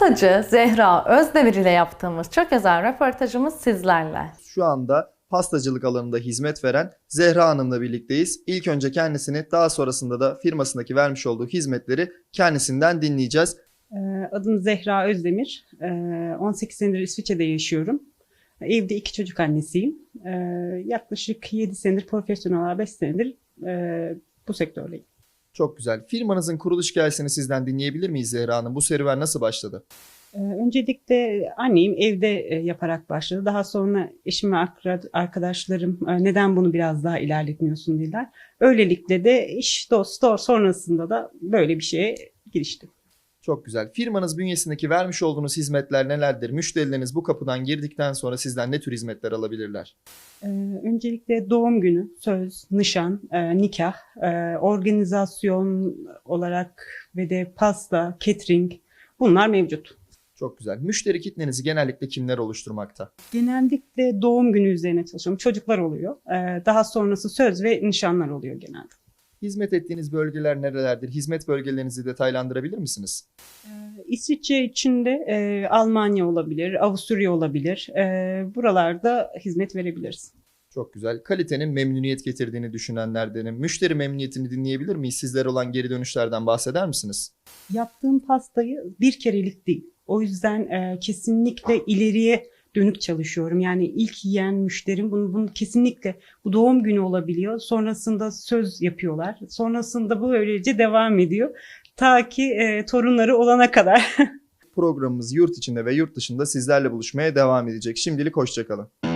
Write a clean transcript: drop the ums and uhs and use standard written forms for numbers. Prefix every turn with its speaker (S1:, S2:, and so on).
S1: Pastacı Zehra Özdemir ile yaptığımız çok özel röportajımız sizlerle.
S2: Şu anda pastacılık alanında hizmet veren Zehra Hanım'la birlikteyiz. İlk önce kendisini, daha sonrasında da firmasındaki vermiş olduğu hizmetleri kendisinden dinleyeceğiz.
S3: Adım Zehra Özdemir. 18 senedir İsviçre'de yaşıyorum. Evde 2 çocuk annesiyim. Yaklaşık 7 senedir profesyonel olarak 5 senedir bu sektördeyim.
S2: Çok güzel. Firmanızın kuruluş hikayesini sizden dinleyebilir miyiz Zehra Hanım? Bu serüven nasıl başladı?
S3: Öncelikle anneyim evde yaparak başladı. Daha sonra eşim ve arkadaşlarım neden bunu biraz daha ilerletmiyorsun dediler. Öylelikle de iş dostu sonrasında da böyle bir şeye giriştim.
S2: Çok güzel. Firmanız bünyesindeki vermiş olduğunuz hizmetler nelerdir? Müşterileriniz bu kapıdan girdikten sonra sizden ne tür hizmetler alabilirler?
S3: Öncelikle doğum günü, söz, nişan, nikah, organizasyon olarak ve de pasta, catering bunlar mevcut.
S2: Çok güzel. Müşteri kitlenizi genellikle kimler oluşturmakta?
S3: Genellikle doğum günü üzerine çalışıyorum. Çocuklar oluyor. Daha sonrası söz ve nişanlar oluyor genelde.
S2: Hizmet ettiğiniz bölgeler nerelerdir? Hizmet bölgelerinizi detaylandırabilir misiniz?
S3: İsviçre içinde Almanya olabilir, Avusturya olabilir. Buralarda hizmet verebiliriz.
S2: Çok güzel. Kalitenin memnuniyet getirdiğini düşünenlerdenim. Müşteri memnuniyetini dinleyebilir miyiz? Sizlere olan geri dönüşlerden bahseder misiniz?
S3: Yaptığım pastayı bir kerelik değil. O yüzden kesinlikle ileriye dönük çalışıyorum. Yani ilk yiyen müşterim bunu kesinlikle bu doğum günü olabiliyor. Sonrasında söz yapıyorlar. Sonrasında bu böylece devam ediyor. Ta ki torunları olana kadar.
S2: Programımız yurt içinde ve yurt dışında sizlerle buluşmaya devam edecek. Şimdilik hoşça kalın.